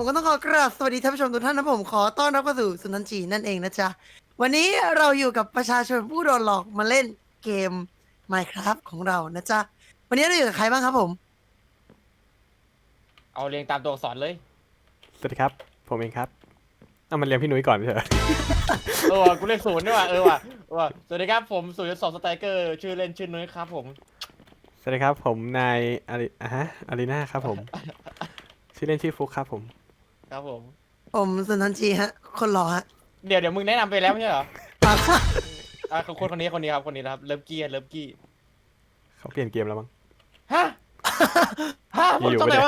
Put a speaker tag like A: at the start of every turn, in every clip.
A: ก็ต้องขอกราบสวัสดีท่านผู้ชมทุกท่านนะผมขอต้อนรับเข้าสู่สุนันจีนั่นเองนะจ๊ะวันนี้เราอยู่กับประชาชนผู้โดนหลอกมาเล่นเกม Minecraft ของเรานะจ๊ะวันนี้เราอยู่กับใครบ้างครับผม
B: เอาเรียงตามตัวอักษรเลย
C: สวัสดีครับ ผมเองครับเอามันเรียนพี่นุ้ยก่อนเถอะ
B: ว่ะกูเรียกศูนย์ด้วยว่ะว่ะสวัสดีครับผม0.2สไตรเกอร์ชื่อเล่นชื่อนุ้ยครับผม
C: สวัสดีครับผมนายอารีนาครับผม ชื่อเล่นชื่อฟุกครับผม
B: ครับผม
A: ผมสุนันจีฮะคนหล่อฮะ
B: เดี๋ยวมึงแนะนำไปแล้วไม่ใช่เหรอคนนี้ครับคนนี้นะครับเลิฟกี้
C: เขาเปลี่ยนเกมแล้วมั้ง
B: ฮะมึง
C: อยู่
B: ทำไม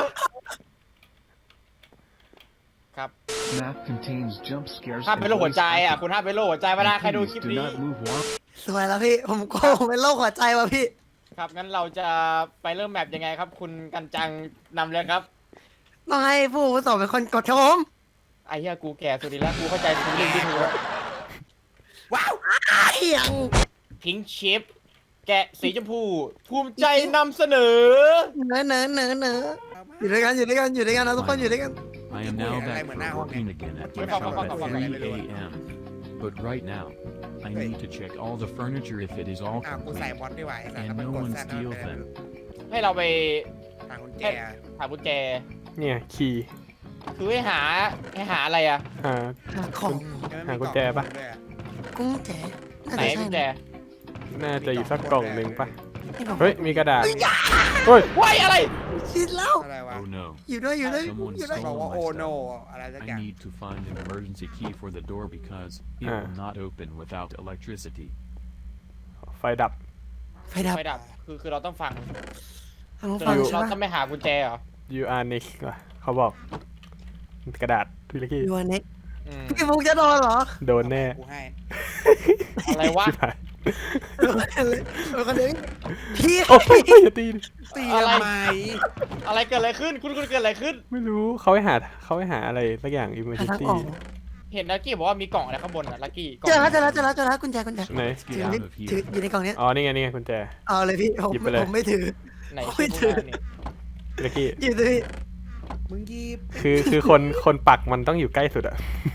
C: ไม่ได้
B: วะครับ
D: Map contains jump scares
B: ห้ามเป็นโรคหัวใจอ่ะคุณห้ามเป็นโรคหัวใจเวลาใครดูคลิป
D: Do
B: นี้
D: not move one.
A: สวยแล้วพี่ผมโกงเป็นโรคหัวใจว่ะพี่
B: ครับงั้นเราจะไปเริ่มแมปยังไงครับ คุณกันจังนำเลยครับ
A: ต้องให้ผู้อาวุโสเป็นคนกดครับผม
B: ไอ้เหี้ยกูแก่สุดดีแล้วกูเข้าใจทุกเรื่องที่ถูก
A: ว้าวอ้ายยัง
B: พิงค์ชิปแกะสีชมพูภูมิใจนำเสนอ
A: เนอะอยู่ด้วยกันนะทุกคนอยู่ด้วยกัน
D: I am now back for working again at my shop at 3 a.m. But right now, I need to check all the furniture if it is all
E: กูใส่
D: complete
E: บอลดีกว่าไอ้สัตว์
D: and
E: แล้วมัน
D: no
E: กด
D: one
E: แซด
D: steal
E: แล้ว
D: them.
B: ให้เราไป
E: ทางกุญแจ
B: หากุญแจ
C: เนี่ยคีย์
B: คือให้หาอะไรอ่ะ
C: อ่า
A: หาของ
C: หากุญแจปะ
A: กุ้งแจน่า
B: ไหน
A: จะใช่
B: กุญแจ
A: นะ
C: น่าจะอยู่สักกล่องหนึ่งปะ
A: นี่ผม
C: เฮ้ยมีกระดาษเฮ้ย
B: ว้ายอะไร
A: ชิดแล้ว
E: อะไรวะ
D: Oh no.
A: อยู่ด้วย
D: Someone
A: อยู่ด้วย
E: บอก
D: stole
E: ว่า
D: my
E: โอโน
D: stuff.
E: อะไรสักอย่าง
D: I need to find an emergency key for the door because it will not open without electricity.
C: ไฟดับ
A: ไฟดับ
B: ไฟดับคือเราต้องฟัง
A: ทางฝั่งใช่
B: เรา
A: ปะ
B: ต้องไม่หากุญแจเหรอ
C: you are next ว่ะเขาบอกกระดาษพี่ลักกี้
A: ยูเน็ก
B: อืม
A: พี่ฟุกจะโดนเหรอ
C: โดนแน่
E: กูให้
B: อะไรวะ
C: ชิบหาย
A: โดนเลยโดนคนเดียวพี่
C: โอ้ยอย่าตีดิ
E: ตี
B: อะไร
E: ทำไม
B: อะไรเกิดอะไรขึ้นคุณเกิดอะไรขึ้น
C: ไม่รู้เขาให้หาอะไรสักอย่าง
A: หาทาง
C: emergency
A: ออก
B: เห็นลักกี้บอกว่ามีกล่องอะไรข้างบนอ่ะลักกี้กล่อง
A: เจอแล้วกุญแจ
C: ไหน
D: Let's
A: ถือ
D: get
A: นี่
D: out of
A: ถือ
D: here.
A: อยู่ในกล่องเนี้ย
C: อ๋อนี่ไงกุญแจ
A: เอาเลยพี่ผม
C: หยิบไปเลย
A: ผมไม่ถือ
B: ไหน
A: ไม่ถือ
B: นี่
C: พี่ลักกี้
A: หยิบเลยพี่
E: มึงยีบ
C: คือคนปักมันต้องอยู่ใกล้สุดอะ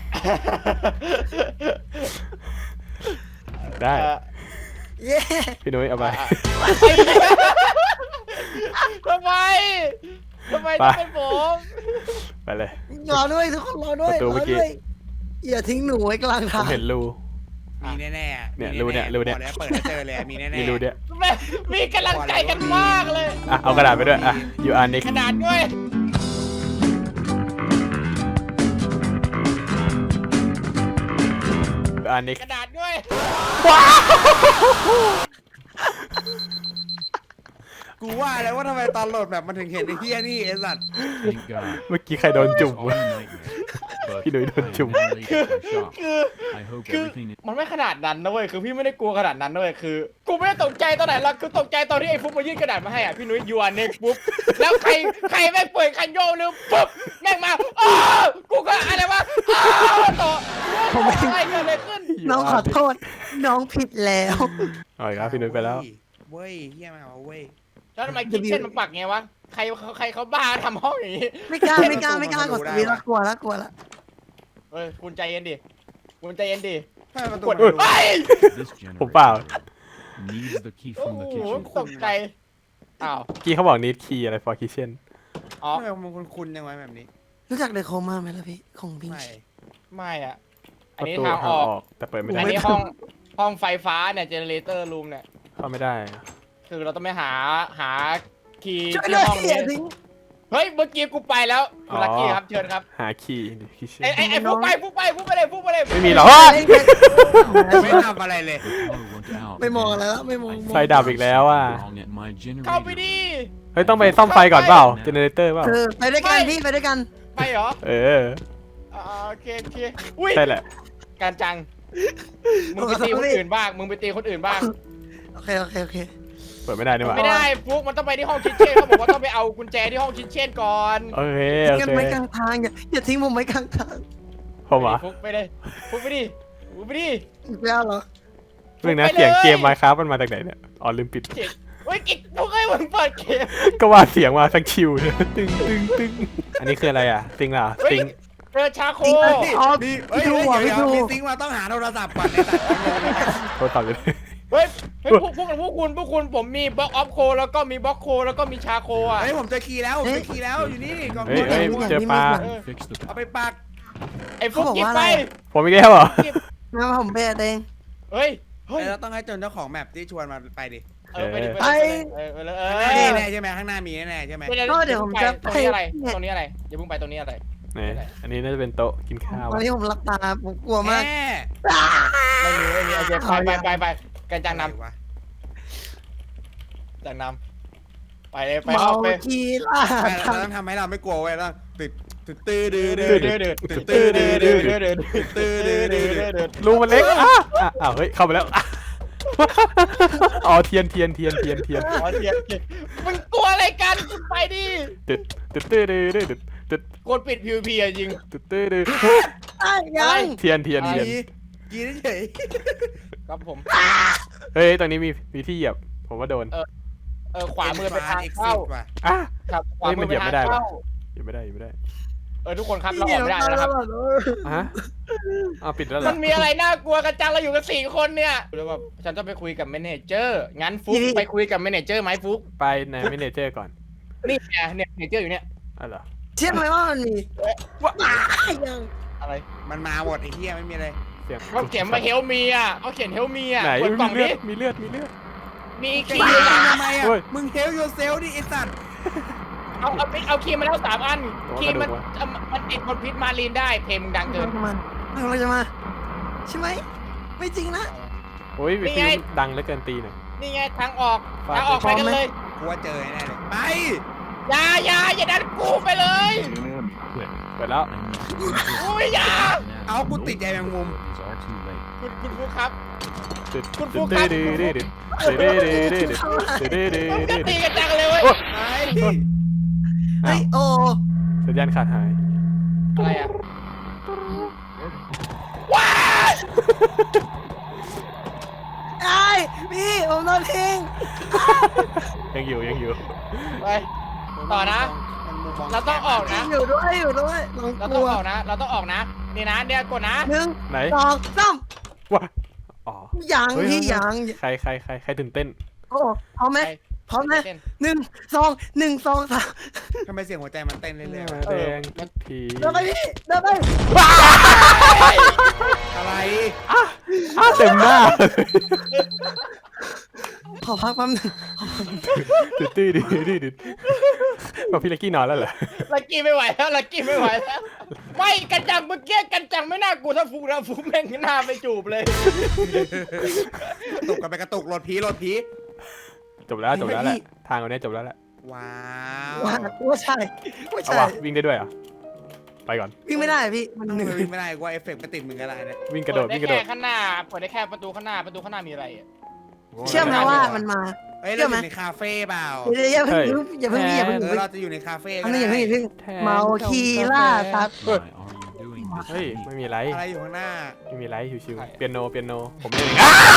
C: ได้
B: เอ่อ
A: เย้
C: พี่นุ้ยเอาไป
B: ทำไมต้องเป็นผม
C: ไปเลย
A: รอด้วยทุกคนรอด้วย
C: ประตู
A: ร
C: เมื่
A: อ
C: อกี้
A: ด้วยอย่าทิ้งหนูไว้กลาง
C: ผ
A: ทาง
C: มเห็นรู
E: มีแน่ๆ
C: เนี่ย
E: มี
C: รูเนี่ย
E: แๆ
C: รูเนี่ย
E: บอกแล้วเปิดแล้วเจอเลยมีแน่ๆ
C: มีรูเดียว
B: มีกำลังใจกันมากเลย
C: อ่ะเอากระดาษไปด้วยอ่ะ you are next
B: ขนาดด้วย
C: you are next
B: กระดาษด้วย
E: กูว่าแล้วว่าทำไมตอนโหลดแบบมันถึงเห็นไอ้เฮียนี่ไอ้สัตว์
D: Thank God.
C: เมื่อกี้ใครโดน
D: It's
C: จุ่ม
D: all
C: วะ
D: a nightmare. But
C: พี่นุ้ยโดน
D: I am
C: จุ่ม
D: now late at my shop.
B: คือ
D: I hope
B: คือ
D: everything is
B: มันไม่ขนาดนั้นนะเว้ยคือพี่ไม่ได้กลัวขนาดนั้นนะเว้ยคือ กูไม่ได้ตกใจตอนไหนหรอกคือตกใจตอนที่ไอ้ฟุ๊กมายื่นกระดาษมาให้อ่ะพี่นุ้ยยูอันเน็กปุ๊บแล้วใครไม่เปิดคันโยกนึงปุ๊บแม่งมาอ้าวกูก็อะไรวะอ้าวต่ออะไรเกิดอะไรขึ้น
A: น้องขอโทษ น้องผิดแล้ว
C: เอาอีกแล้วพี่นุ้ยไปแล้ว
E: เว้ยเฮียมาเอาเว้ย
B: แล้วทำไมคิดเช่นมันปักไงวะใครเขาบ้าทำห้องอย่างนี้
A: ไม่กล้ากดสวิตช์แล้วกลัวแล้ว
B: เฮ้ยคุณใจเย็นดิคุณใจเย็นดิ
E: ทำไมประตู
B: กด
E: มันรู้
B: เฮ้ย
D: this
C: ผมเปล่า
D: generator needs the key
B: โอ้
D: from the
B: โห
D: kitchen.
B: ตกใจอ้าว
C: กี้เขาบอก need key อะไร for kitchen
B: อ๋อ
E: ทำไมมันคุ้นๆยังไงแบบนี้
A: รู้จักเดอะโคม่าไหมล่ะพี่ของพิง
E: ไม่
A: ค์
B: ไม่อ่ะอั
C: ป
B: น
C: ระ
B: นี้
C: ตู
B: ทาง
C: ทา
B: อง อก
C: ออกแต่เปิดไม่
B: อั
C: ได้
B: นนี้ห้องไฟฟ้าเนี่ยเจเนเรเตอร์รูมเนี่ย
C: เข้าไม่ได้
B: คือเราต้องไปหาคีย์
A: ช่วย
B: ที่
A: ด้วย
B: ห้อง
A: อย่า
B: นี้
A: ทิ้ง
B: เฮ้ยเมื่อกี้กูไปแล้วคุณลักกี้ครับเชิญครับ
C: หา key kitchen
B: ไอ้ฟุกไปเลย
C: ไม่มีหรอ
E: ไม่ทำอะไรเลย
D: The power went out.
A: ไม่มองอะไรแล้วไม่มอง
C: ไฟดับอีกแล้วอ่ะ
D: Wrong at my
B: เข้าไป
D: generator.
B: ดิ
C: เฮ้ยต้องไปซ่อมไฟก่อนเปล่า generator เปล่า
A: ไปด้วยกันพี่ไปด้วยกัน
B: ไปเหรอ
C: เออ
B: โอเคอุ้ย
C: ใช่แหละ
B: การจังมึงไปตีคนอื่นบ้าง
A: โอเค
C: เปิดไม่ได้นี่หว่า
B: ไม่ได้ฟุกมันต้องไปที่ห้องคิทเช่นเขาบอกว่าต้องไปเอากุญแจที่ห้องคิทเช่นก่อน
C: โอเค
A: ทิ้
C: โอง
A: กัน
C: เค
A: ไว้กลางทางอย่าทิ้งผมไว้กลางทาง
C: ผมเหรอ
B: ฟุกไปเลยฟุกไปดิ
A: อีกแล้วเหรอ
C: เรื่องนะ
B: ไปเลย
C: เสียงเกม Minecraft มันมาจากไหนเนี่ยอ๋อลืมปิด
B: เฮ้ยกิ๊กพวกไอ้มึงเปิดเกม
C: ก็ว่าเสียงมาทั้งคิวเลยตึงตึงตึงอันนี้คืออะไรอ่ะติงเหรอ
B: เฮ้ย
C: ติง
B: เจอชาโค
A: อ๋อ
E: มี
A: พี่ดูอ่ะพี่ดู
E: มีซิงค์มาต้องหาโทรศัพท์ก่อนในตัด
C: โทรศัพท์อยู่
B: เฮ้ยพวกคุณผมมีบล็อกออฟโคแล้วก็มีบล็อกโคแล้วก็มีชาโคอ่ะ
E: เฮ้ยผมเจอคีย์แล้วผมเจอคีย์แล้วอยู่นี่กล่อง
C: เฮ้ยเฮ้ยเจอปลา
D: Fix the
E: เอาไปปัก
B: ไอ้พวกกิ๊กไป
C: ผมอีกแล้วเหรอ
A: งั้นผมไปเอง
B: เฮ้ยเฮ้ย
E: เราต้องให้เจ้าของแมปที่ชวนมาไปดิ
B: ไปดิ
A: ไป
B: ไปเลย
E: แน่ใช่ไหมข้างหน้ามีแน่ใช่ไหม
A: ก็เดี๋ยวผมจะ
B: ตรงนี้อะไรตรงนี้อะไรอย่าเพิ่งไปตรงนี้อะไร
C: ไหนอันนี้น่าจะเป็นโต๊ะกินข้าว
A: ตอนนี้ผมหลับตาผมกลัวมาก
E: แม่
B: ไม่มีโอเคไปกันจังนำจังนำไปเลยไป
A: เมา
B: ไป
A: คีล่า
E: เราต้องทำให้เราไม่กลัวเว้ยต้องติดตื้อดื้อ
B: เดื
E: ดื้
B: อ
E: อ
B: ดเดือด
E: ตื้อดื้อดื้อ
B: เดือดเดือด
E: ตื้อดื้อดื้อ
B: เดือด
C: รูมันเล็กอ้าวเฮ้ยเข้าไปแล้วอ๋อเทียน
B: อ๋อเทียนมึงกลัวอะไรกันไปดิ
C: ตึ๊ดตึ๊ดตึ๊ดตึ๊ดตึ๊ดตึ๊ด
B: กดปิด PVP อ่ะจริง
C: ตึ๊ดตึ๊ดตึ๊ด
A: ยัง
C: เทียน
E: กีเฉย
B: ครับผม
C: เฮ้ยตรงนี้มีที่เหยียบผมว่าโดน
B: ขวามือไปทางเข้า
E: ว่ะ
C: อ่ะ
B: ครับขวามือไปทางเข้า
C: เหยียบไม่ได้
B: ทุกคนครับเราออกไม่ได้แล้วนะครับ
C: ฮะอ้าวปิดแล้วเหร
B: มั
C: อน
B: มีอะไรน่ากลัวกันจังเราอยู่กัน4 คนเนี่ยแล้วแบบฉันต้องไปคุยกับแมเนเจอร์งั้นฟุกไปคุยกับแมเนเจอร์ไหมฟุก
C: ไปในเมเนเจอร์ก่อน
B: นี่ไงเนี่ยแมเนเจอร์อยู่เนี่ย
C: อ๋อเหรอ
A: เชื่อไหมว่ามันมียัง
B: อะไร
E: มันมาหมดไอ้เหี้ยไม่มีอะไร
C: เสียง
B: เขาเขียนมาเฮลมีอ่ะเขาเขียนเฮลมีอ่ะ
C: ไหน
B: เปิดกล่อง
C: มีเลื
B: นี้
C: อดมีเลือด
B: มี
E: จะ
B: คีย์
E: ยิงทำไมอ่ะ
C: เฮ้ย
E: มึงเฮลโยเซลดิไอ้สัตว์
B: เอาคีย์มาแล้ว3 อันคีย์มันติดบนพิษมารีนได้เพลงมึงดังเกิน
A: มันเราจะมาใช่ไหมไม่จริงนะ
C: โอ้ยวิทยุดังเหลือเกินตีหน่อย
B: นี่ไงทางออกไปกันเลย
E: กูว่าเจอแน่เลยไป
B: อย่าดันกูไปเลย
C: เปิดแล้ว
B: อุ้ยอย่า
E: เอากูติดใจแมงมุม
D: It's all too late.
B: คุณฟุกครับ
C: ตึ๊ด
B: คุณ
C: ตึ๊
B: ฟุ
C: ด
B: กครับ
C: ตึ๊ดตึ๊ดตึ๊ดตึ๊ดตึ๊ดตึ๊ดตึ๊ดตึ๊ด
B: มึงจะตีกันจังเลยเว้ย
E: ไป
A: เฮ้ยโอ้
C: สัญญาณขาดหาย
B: อะไรอ่ะว้า
A: ไอ้พี่ผมโดนทิ้ง
C: ยังอยู่
B: ไปต่อนะ เราต้องออกนะ
A: อยู่ด้วยลอง
B: เรา
A: ก
B: ต้
A: ลั
B: อง
A: ว
B: ออกนะนี่นะเดี๋ยวกดนะ
A: 1
C: ไหน
A: 2 3
C: ว้าอ๋อ
A: ยัง
C: เฮ้ย
A: พี่ยัง
C: ใครตื่นเต้น
A: โอ้พร้อมไหมพร้อมไหม
B: เต้น
A: 1 2 3
E: ทำไมเสียงหัวใจมันเต้นเรื่อยๆวะ
C: แดงผี
A: เดินไปพี่เดินไป
E: อะไร
C: เต็มหน้า
A: ขอพักแป๊บนึง
C: ตื้อบอกพี่เล็กกี้นอนแล้วเหรอ
B: ลักกี้ไม่ไหวแล้วไม่กันจังเมื่อกี้กันจังไม่น่ากลัวถ้าฟุกนะฟุกแม่งหน้าไปจูบเลย
E: กระตุกกันไปกระตุกรถผี
C: จบแล้วแหละทางวันนี้จบแล้วแหละ
E: ว้า
A: ว่าใช่
C: เอาว่ะวิ่งได้ด้วยเหรอไปก่อน
A: วิ่งไม่ได้พี่มัน
E: ว
A: เหนื่อย
E: วิ่งไม่ได้กูว่าเอฟเฟกต์มันติดมึงก็ได้นะ
C: วิ่งกระโดด
B: เปิได้แค่ข้างหน้าเปิดได้แค่ประตูข้างหน้ามีอะไรอ่ะ
A: เชื่อไหมว่ามันมา
E: เฮ้ยเราอยู่ในคาเฟ่เปล่า
A: อย่าเพิ่งอย่าเพิ่ง
E: เราจะอยู่ในคาเฟ่
A: อั
E: ก็
A: นนี้
E: ได้
A: อย่าเพิ่งเมาคีล่าครับ
D: Why are you doing this?
C: เฮ้ย
D: to me?
C: ไม่มีไร
E: อะไรอยู่ข้างหน้า
C: ไม่มีไรชิวๆเปียโนผมเล่น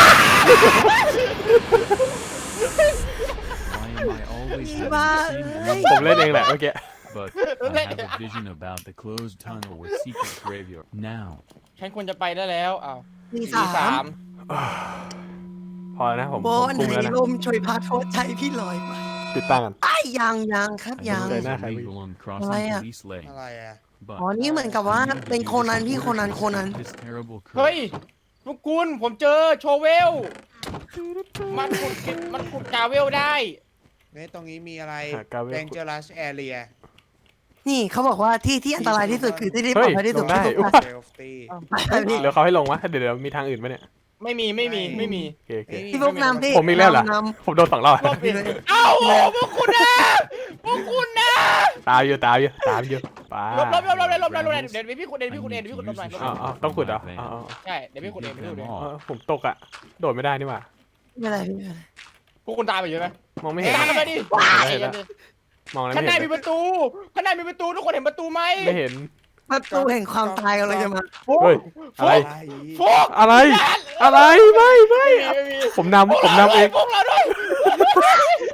D: Why am I always having
A: Bye.
D: the same
C: ผม
D: dream?
C: เล่นเองแหละเมื่อกี้
D: But I have a vision about the closed tunnel with secret graveyard. Now,
B: ฉันควรจะไปได้แล้วอ้าว
A: ตี
B: ตี
A: สาม
C: พอแล้วนะผม
A: โบ
C: คุ
A: น
C: ม
A: ไหน
C: แล้วนะ
A: ลมช่วยพาโทษใจพี่ลอยมา
C: ติดตั้งกัน
A: ไอ้ยังครับ
D: I
A: ยัง
D: know it's
C: Nah,
D: illegal on crossing
A: Why,
D: police lane,
E: อะไรอ่ะ
D: but
A: อ๋อนี่เหมือนกับว่า
D: I need to
A: เป็น
D: use
A: โคนัน
D: this
A: พี่
D: order
A: โคนัน
D: to
A: โคนัน
D: stop this terrible
B: เฮ้ย
D: curse.
B: ทุกคุณผมเจอโชเวลมันขุดกาเวลได้
E: เฮ้ยตรงนี้มีอะไร
C: หากาเวล
E: Dangerous Area
A: นี่เขาบอกว่าที่อันตรายที่สุดคือที่ปลอดภัยที่สุด
C: เฮ้ยลงได้
A: ที่สุด
E: Safety
A: ไปพี่
C: เดี๋ยวเขาให้ลงวะเดี๋ยวมีทางอื่นไหมเนี่ย
B: ไม่มี
C: โอเค
A: พี่พวกนำพี่
C: ผมมีแล้วเหรอ
A: น
C: ผมโดน2 รอบ
B: รอบผิดเอ้าพวกคุณนะ
C: ตามอยู่ป้า
B: ลบเดี๋ยวพี่คุณเองลบหน่อย
C: อ๋อต้องขุดเหรออ๋อ
B: ใช่เดี๋ยวพี่คุณเอง
D: Give them
C: อ๋อ
D: all.
C: ผมตกอ่ะโดดไม่ได้นี่หว่า
A: ไม่เป็นไรพี่ไม่เป็นไร
B: พวกคุณตามไปอยู่ไหม
C: มองไม่เห็น
B: ตามกันไปดิ
C: มองแล้ว
B: ข้าง
C: ไม่
B: หน้า
C: เห็น
B: มีประตูทุกคนเห็นประตูไหม
C: ไม่เห็น
A: ประตูแห่งความตายกำลังจะมา
C: เฮ้ยอะไร
B: ฟุก
C: อะไรไม่
B: ไม่มี
C: ผมนำเอง
B: พวกเราด้วย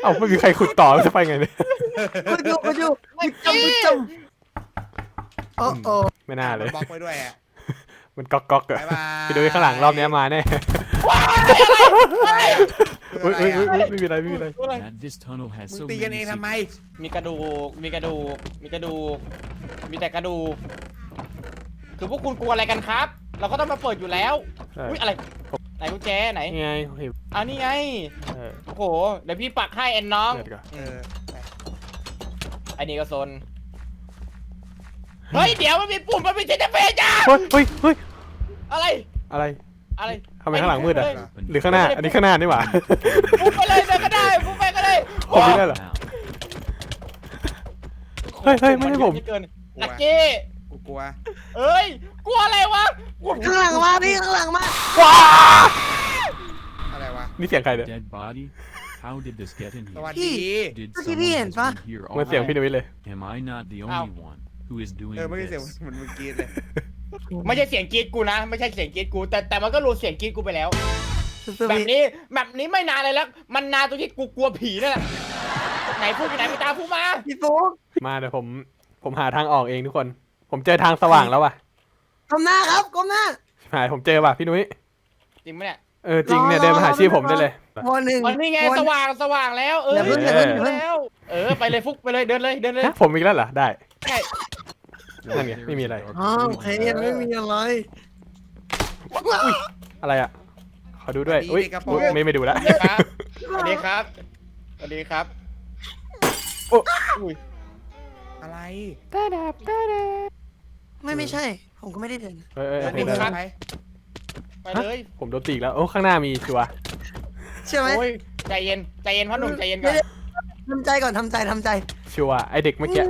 C: เอ้าไม่มีใครขุดต่อจะไปไงเนี่ย
A: คุณอยู่คุณจมโอ้โอ้
C: ไม่น่าเลย
E: บล็อกไว้ด้วยอ่ะ
C: มันก๊อกก๊อกอะ
E: บ๊ายบาย
C: ไปดูข้างหลังรอบนี้มาแน่
E: คือ
C: เฮ้ย
E: อะไร
C: เฮ้ย
E: อ่ะ
C: เฮ้ยไม่มีอะไรไม่มีอะไร
D: That this tunnel has
E: มึง
D: so
E: ตีกันเอ
D: many
E: งทำไม
D: secrets.
B: มีกระดูกมีกระดูกมีกระดูกมีแต่กระดูกคือพวกคุณกลัวอะไรกันครับ เราก็ต้องมาเปิดอยู่แล้ว
C: ใช่
B: อุ้ยอะไรไหนกุญแจไหน
C: นี่ไงเห็น
B: เอานี่ไง
C: เออ
B: โอ้โหเดี๋ยวพี่ปักให้แอนน้อง
C: เดี๋ยวก่อน
E: เออไป
B: ไอ้นี่ก็โซนเฮ้ยเดี๋ยวมันมีปุ่มมันมีเจตเฟจ้า
C: เฮ้ยเฮ้ยเฮ้ย
B: อะไร
C: อะไร
B: อะไร
C: ทำไมข้างหลังมืดอะ
B: ไป
C: หรือข้างหน้าอันนี้ข้างหน้านี่หว่า
B: ปุ๊บไปเลยเดินก็ได้ปุ๊บไปก็ได้
C: ผมไม่ได้เหรอ
D: Now,
C: เฮ้ยเฮ้ยไม่ใช่ผม
B: นเยอะเกินลักกี้
E: กูกลัว
B: เอ้ยกลัวอะไรวะกลัว
A: ข้างหลังมาพี่ข้างหลังมา
E: อะไรวะ
C: นี่เสียงใครเนี่ย
D: dead body? How did this get in
E: สวัส
D: here?
E: ดี
D: Did
A: เมื่อกี้พี่
D: someone
A: เห็น
D: has
A: ปะ
D: been here
C: มันเสียง
D: all
C: พี่นุ้ยเลย
D: night? Am I not the
B: Ow.
D: only one who is doing
E: เมื่อกี้เสียง
D: this?
E: เหมือนมึงกรีดเลย
B: ไม่ใช่เสียงกรีดกูนะ ไม่ใช่เสียงกรีดกูแต่มันก็รู้เสียงกรีดกูไปแล้ว
A: สุด
B: แบบ
A: ๆ
B: นี้ไม่นานเลยแล้ว มันนานตรงที่กูกลัวผีนั่นแหละไหนพูดอยู่ไหนพี่ตาพูดมา
A: พี่ฟุ๊ก
C: มาเดี๋ยวผมหาทางออกเองทุกคน ผมเจอทางสว่างแล้วว่ะ
A: ก้มหน้าครับก้มหน้า
C: หายผมเจอว่ะพี่นุ้ย
B: จริงไหมเนี่ย
C: เออจริงเนี่ยเดินมาหาชื่อผมได้เลย
A: วันหนึ่ง
B: วันนี้ไง
A: วัน
B: สว่างแล้ว
A: อย่าเพิ่งอย่าเพิ่งอย่าเพิ่ง
B: แล้วไปเลยฟุกไปเลยเดินเลย
C: ฮะผมอีกแล้วเหรอได้
B: ใช่
C: นั่นไง
D: There
C: ไม่
D: is
C: มี
D: a
C: อะไร
D: dark
A: อ้าว
D: void
A: โอเค
D: in
A: ไม่
D: there.
A: มีอะไร
C: อะไรอ่ะ ขอดูด้วย อุ้ยอุ๊ยไม่ดูละ
B: ครับสวัสดีครับสวัสดีครับ
C: โอ้
B: อุ้ย
E: อะไร
A: ไม่ใช่ ผมก็ไม่ได้เดิน
C: เอ้ยเอ้ย
E: เดิน
C: เห็
E: ดิ
C: น
E: เดิ
C: แล้ว
E: นไป
B: ไปเลย
C: ผมโดนตีอีกแล้ว โอ้ข้างหน้ามีชัวร์
A: ใช่ไหม
B: โอ้ยใจเย็นพ่อหนุ่มใจเย็นก่อน
A: ทำใจก่อนทำใจ
C: ชัวร์ไอเด็กเมื่อกี้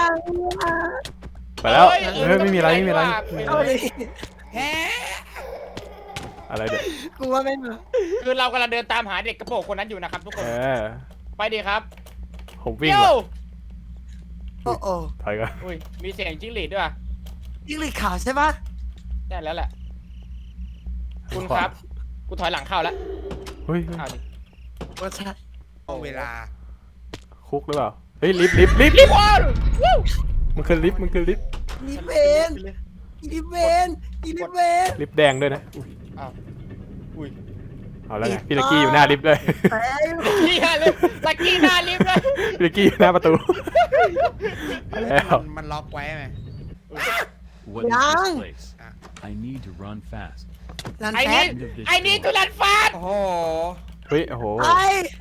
C: ไปแล้วเฮ้ยไม่มีอะไรไม่มีอะไร
A: เอาดิ
E: แฮะ
C: อะไรเด็ก
A: กูว่าไม่มา
B: คือเรากำลังเดินตามหาเด็กกระโปรงคนนั้นอยู่นะครับทุกคน
C: เออ
B: ไปดีครับ
C: ผมวิ่ง
B: เดี๋ย
C: ว่ะ
B: ว
A: โอ้โอ้
C: ถอยก่อน
B: อุ้ยมีเสียงจิ้งหรีดด้วยว่ะ
A: ยิ่งหลีกขาวใช่ปะ
B: ได้แล้วแหละคุณครับกูถอยหลังเข้าแล้ว
C: เฮ้ย
B: เอาดิ
A: ว่าใช่
E: เอาเวลา
C: คุกหรือเปล่า เฮ้ยลิฟต์
B: ว้าววู้
C: มันคือลิฟต์
A: อีเวนอีเวนอีเวน
C: ลิฟต์แดงด้วยนะ
B: อ้าวอุ้ย
C: เอาแล้วไงพี่ลักกี้อยู่หน้าลิฟต์เลย
A: แปลง
B: เฮียเลยลักกี้หน้าลิฟต์เลย
C: พี่ลักกี้อยู่หน้าประตูแล้ว
E: มันล็อกไว้ไหม
D: What is
A: Yang.
D: this place? I need to run fast.
A: ลัน
B: ไอ้
A: แฟ
B: นี่
A: ด
B: ไอ้นี่ตุลันฟาด
E: โอ้โห
C: เฮ้ยโอ้โห
A: ไอ้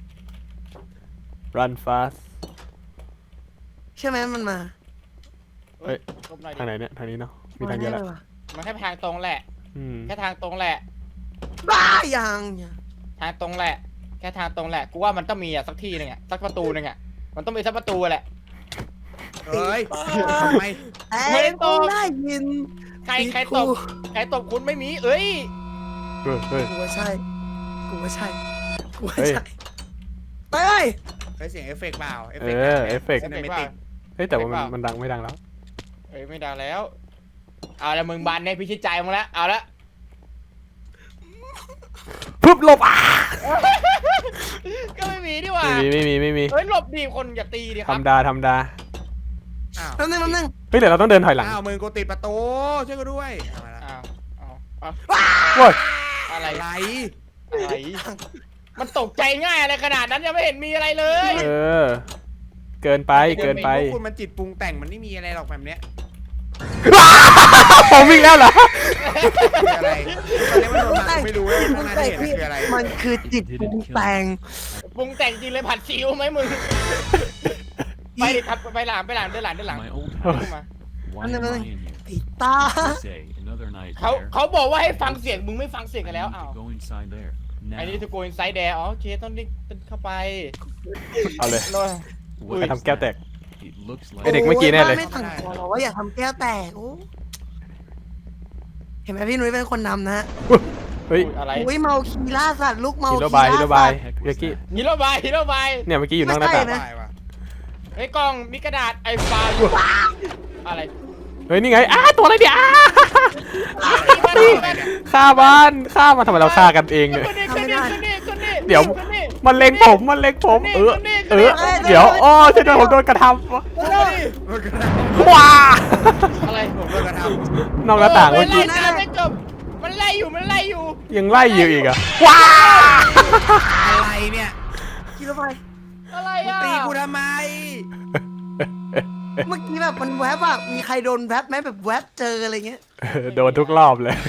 C: run fast
A: ใช่ไหมมันมา
C: เฮ้ย
B: ลบหน่อยดิ
C: ทางไหนเนี่ยทางนี้เนาะมีทางเดียวแหละ
B: มันแค่ทางตรงแหละ
C: อืม
B: แค่ทางตรงแหละ
A: บ้ายัง
B: ทางตรงแหละ แค่ทางตรงแหละ กูว่ามันต้องมีอ่ะสักที่หนึงอ่ะสักประตูหนึงอ่ะ มันต้องมีสักประตูแหละ
E: เฮ้ยทำไม
A: ไอ้
B: ไม่ได้ต
A: กู
B: บ
A: ได้ยิน
B: ใครตบใครตบคุณไม่มี เอ้ย
C: เฮ้ยเฮ้ย
A: กูว่าใช่กูว่าใช่กูว่า
C: เฮ้ย
A: ใช่เฮ้ย
E: เฮ้ยเสียงเอฟเฟกต์เปล่าเอฟ
C: เอ
E: เฟกต์
C: อเอฟเฟกต์
E: ซินเนมิติก
C: เฮ้ยแต่ว่ามันดังไม่ดังแล้ว
B: เอ้ยไม่ดังแล้ว เอาละมึงบานในพิชิตใจมึงแล้ว เอาละ
C: ปุ๊บหลบอ่ะ
B: ก็ไม่มีดีกว่า
C: ไม่มี
B: เฮ้ยหลบดีคนอย่าตีดิครับ
C: ทำดา
E: อ้าว
A: แป๊บนึง
C: เฮ้ยเดี๋ยวเราต้องเดินถอยหลัง
E: อ้าวมึงกูติดประตูช่วยกูด้วยเอามาละ
B: เอา
C: โว้ย
B: อะไร
E: อะไร
B: อะไร มันตกใจง่ายอะไรขนาดนั้นยังไม่เห็นมีอะไรเลย
C: เออ เกินไป
E: พวกคุณมันจิตปรุงแต่งมันไม่มีอะไรหรอกแบบเนี้ย
C: ผมวิ่งแล้วเหรอ
E: คืออะไรตอนนี้มันโดนมาไม่รู้ว่าข้างหน้าที่เห็นคืออะไร
A: มันคือจิตปรุงแต่ง
B: ปรุงแต่งจริงเลยผัดซีอิ๊วไหมมึง ไปดิครับไปหลังเดินหลัง
D: My old
B: ขึ้น
D: house.
B: มา
D: Why am I in here?
A: ไอ้ตา
D: Say another night
B: เขา
D: there.
B: เขาบอกว่าให้ฟังเสียงมึงไม่ฟังเสียง
D: I
B: กันแล้ว
D: need
B: อ้าว
D: to go inside there.
B: ไอ้
D: Now.
B: นี่ทูโกอินไซด์แดร์อ๋อโอเคต้องนี่เข้าไป
C: เอาเลย
B: โน่น
D: What
C: ไป
D: is
C: ทำแก้วแตก
D: that? It looks
C: ไอ้เด็
D: like
C: กเมื่อกี้แน่เลย
A: ไม่สั่งสอนเราว่าอย่าทำแก้วแตกโอ้เห็นไหมพี่นุ้ยเป็นคนนำนะฮะ
C: เฮ้ย
B: อะไร
A: อุ้ยเมาคีล่าสัตว์ลูกเมา
C: ฮี
A: คี
C: โร่
A: ล่า
C: บายฮีโร่บาย
A: สัตว์
C: พี่ลักกี้
B: ฮีโร่บายฮีโร่บาย
C: เนี่ยเมื่อกี้อยู่นอกหน้าต่าง
A: ไม่ใช่นะ
E: ตายว่ะ
B: เฮ้ยกล้องมีกระดาษไอฟาอะไร
C: เฮ้ยนี่ไงตัวอะไรเนี่ย
B: ตีมัน
C: ฆ่ามันทำไมเราฆ่ากันเองเนี่ย
B: คนนี้
C: เดี๋ยว มันเล็งผม
B: คนนี้
C: เดี๋ยวอ๋อฉันโดนผมโดนกระทำว้า
B: อะไร
E: ผมโดนกระท
C: นอกหน้าต่าง
B: มั
C: เมื่
B: น
C: อกี้
B: ไล่ไม่จบมันไล่อยู่
C: ยังไล่อยู่อีกอะว้า
E: ำอะไรเนี่ย
A: กิโลไป
B: อะไร
E: มึง
B: อ่ะ
E: ตีกูทำไม
A: เมื่อกี้แบบมันแวบอะมีใครโดนแวบไหมแบบแวบเจออะไรเงี้ย
C: โดนทุกรอบเลย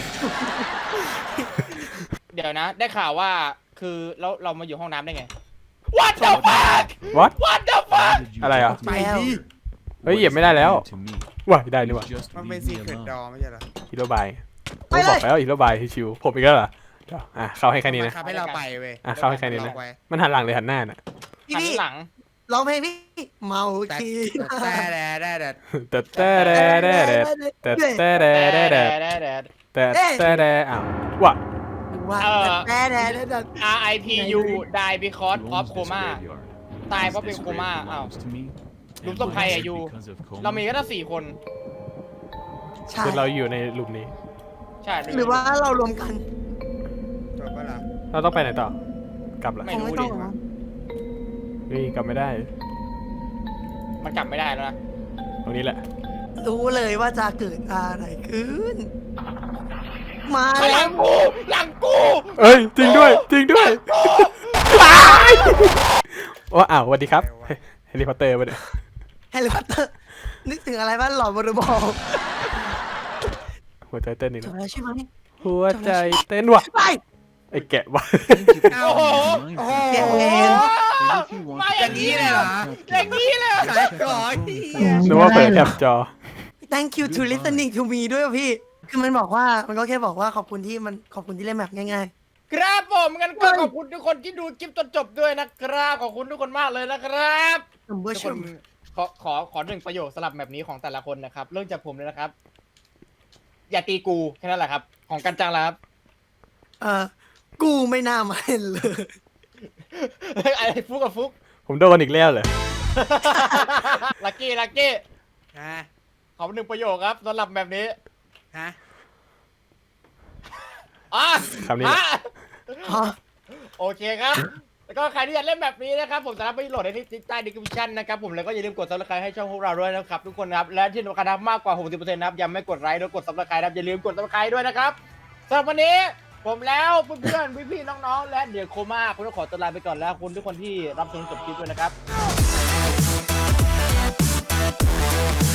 B: เดี๋ยวนะ ได้ข่าวว่าคือเรามาอยู่ห้องน้ำได้ไง What the fuck
C: What
B: What the fuck
D: How did you
C: อะไรอ่ะ
D: get
E: ไป
D: to
E: ดิ
C: เฮ้ยเหยียบไม่ได้แล้ว
D: to me?
C: ว้ายได้นี่หว่า
D: Just
E: มันเป็น
D: leave
E: ซี
D: me
E: เครต
D: alone.
E: ดอไม่ใช่เหรอ
C: ฮีโร่บายผมบอกแล้วฮีโร่บายชิวๆผมอีกแล้วเหรอเดี๋ยวเข้าให้แค่นี้นะ
E: บังคับให้เราไปเว้ย
C: เข้าให้แค่นี้นะ
E: เราไว้
C: มันหันหลังหรือหันหน้าน่ะ
A: พี่
B: หัน
A: พี่
B: หลัง
A: ร้องเพลงพี่เมา
E: แต่
A: คี
E: แต่แต่แต่
C: แต่แต่แต่แต่แต่แต่แต่อ้าวว่ะ
A: ว่าแต่
B: RIPU die because
D: You
B: of
D: owns this
B: coma
D: graveyard.
B: ตาย
D: As
B: เพราะเป็น
D: this
B: โคม่า
D: grave
B: อ้าว
D: belongs to me,
B: ลุม
D: and
B: ศพใคร
D: was
B: อะยู
D: because of coma,
B: เรามีแค่4 คน
A: ใช่
C: คือเราอยู่ในหลุมนี้
B: ใช่
A: หรือว่าเรารวมกัน
E: จบปะล่ะ
C: เราต้องไปไหนต่อ กลับละ
B: ไม่
A: คง
B: รู้
A: ไม่
B: ดิ
A: ต้องหรอก
C: นี่กลับไม่ได้
B: มันกลับไม่ได้แล้วนะ
C: ตรงนี้แหละ
A: รู้เลยว่าจะเกิดอะไรขึ้น มา
B: ห
A: แล้
B: ลั
A: ว
B: งกูหลังกู
C: เอ้ยจริงด้วยจริงด้วยว้ายว่าอ้าวสวัสดีครับเฮลิคอปเตอร์มาเนี่ย
A: แฮร์รี่พอตเตอร์นึกถึงอะไรบ้างหลอนบอลบอล
C: หัวใจเต้นนี่
A: จบ
C: นะ
A: แล้วใช่ไหม
C: หัวใจเต้นว่ะ
A: ไป
C: ไอ้แกะว่ะ
D: Thank you for
B: โอ้โห
D: being
E: โอ้โห
D: mindful.
A: แกะเอง
D: And if you want
B: มา
D: to
B: อย่างนี้เลยเหรอ
D: contact
B: อย่างนี้เลยเหรอ
E: ขายก่อน
C: นึกว่าเปิดแคปจอ
A: thank you to listening to me ด้วยพี่ คือมันบอกว่ามันก็แค่บอกว่าขอบคุณที่เล่นแบบง่าย
B: ครับผมงั้นก็ขอบคุณทุกคนที่ดูคลิปจนจบด้วยนะครับขอบคุณทุกคนมากเลยนะครับ
A: ๆผมก็
B: ทุก
A: ช
B: คน
A: ม
B: ขอหนึ่งประโยคสลับแบบนี้ของแต่ละคนนะครับเริ่มจากผมเลยนะครับ อย่าตีกูแค่นั้นแหละครับ ของกันจังแล้วครับ
A: กูไม่น่ามาเห็นเลย
B: ไอ้ฟุกกับฟุก
C: ผมโดนอีกแล้วเหรอ
B: ลักกี้
E: ฮะ
B: ขอหนึ่งประโยคครับสำหรับแบบนี้
E: ฮะ
B: อ่ะ
C: คำนี้แหละ
B: อ่ะ
A: อ๋อ
B: โอเคครับ แล้วก็ใครที่อยากเล่นแบบนี้นะครับผมสามารถไปโหลดได้ที่ใต้ดีสคริปชั่นนะครับผมแล้วก็อย่าลืมกด subscribe ให้ช่องพวกเราด้วยนะครับทุกคนนะครับและที่สำคัญนะครับมากกว่า 60%นะครับยังไม่กดไลค์ด้วยกด subscribe นะครับอย่าลืมกด subscribe ด้วยนะครับสำหรับวันนี้ผมแล้วเพื่อนๆพี่ๆน้องๆและเดี๋ยวโคม่าคุณต้องขอตัวลาไปก่อนแล้วคุณทุกคนที่รับชมจบคลิปด้วยนะครับ